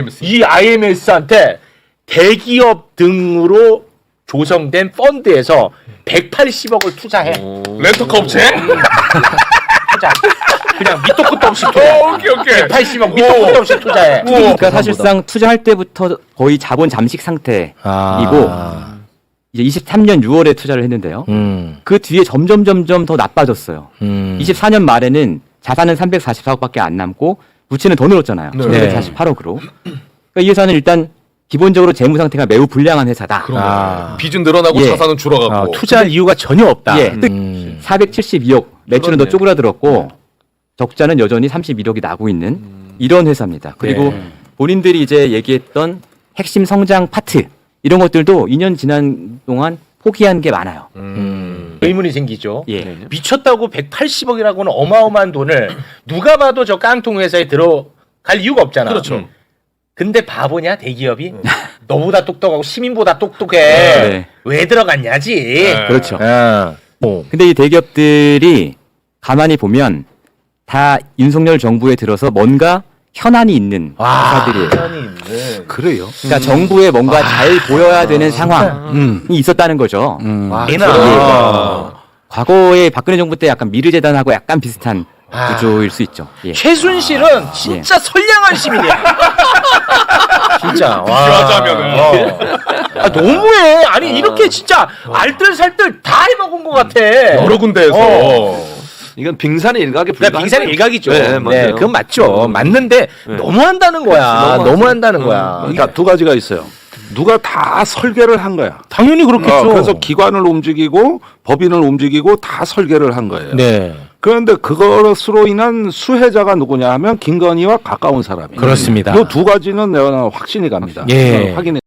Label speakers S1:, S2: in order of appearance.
S1: 이 IMS한테 대기업 등으로 조성된 펀드에서 180억을 투자해.
S2: 렌터카 업체?
S1: 투자. 그냥 밑도 끝도 없이 투자.
S2: 오케이.
S1: 180억 밑도 끝도 없이 투자해.
S3: 그러니까 사실상 투자할 때부터 거의 자본 잠식 상태이고 이제 23년 6월에 투자를 했는데요. 그 뒤에 점점 더 나빠졌어요. 24년 말에는 자산은 344억밖에 안 남고 부채는 더 늘었잖아요.
S1: 네.
S3: 148억으로. 그러니까 이 회사는 일단 기본적으로 재무 상태가 매우 불량한 회사다.
S2: 빚은 늘어나고
S3: 예.
S2: 자산은 줄어가고.
S1: 투자할 이유가 전혀 없다.
S3: 예, 472억 매출은 더
S2: 그렇네.
S3: 쪼그라들었고 적자는 여전히 31억이 나고 있는 이런 회사입니다. 그리고 본인들이 이제 얘기했던 핵심 성장 파트 이런 것들도 2년 지난 동안 포기한 게 많아요.
S1: 의문이 생기죠.
S3: 예.
S1: 미쳤다고 180억이라고는 어마어마한 돈을 누가 봐도 저 깡통 회사에 들어갈 이유가 없잖아.
S2: 그렇죠.
S1: 근데 바보냐 대기업이? 너보다 똑똑하고 시민보다 똑똑해.
S3: 네.
S1: 왜 들어갔냐지.
S3: 그렇죠.
S1: 어.
S3: 근데 이 대기업들이 가만히 보면 다 윤석열 정부에 들어서 뭔가 현안이 있는 회사들이에요.
S4: 그래요.
S3: 그러니까 정부에 뭔가 잘 보여야 되는 상황이 있었다는 거죠. 과거에 박근혜 정부 때 약간 미르재단하고 약간 비슷한 구조일 수 있죠. 예.
S1: 최순실은 진짜 선량한 시민이야. 진짜.
S2: 비교하자면은.
S1: 너무해. 아니 이렇게 진짜 알뜰살뜰 다 해먹은 것 같아.
S2: 여러 군데에서.
S4: 이건 빙산의 일각에
S1: 그러니까 빙산의 일각이죠.
S4: 네, 맞아요.
S1: 그건 맞죠. 맞는데 너무한다는 거야. 너무한다는 거야.
S4: 그러니까 두 가지가 있어요. 누가 다 설계를 한 거야.
S1: 당연히 그렇겠죠.
S4: 그래서 기관을 움직이고 법인을 움직이고 다 설계를 한 거예요.
S1: 네.
S4: 그런데 그것으로 인한 수혜자가 누구냐 하면 김건희와 가까운 사람이에요.
S1: 그렇습니다.
S4: 이 두 가지는 내가 확신이 갑니다.
S1: 예.
S4: 확인해.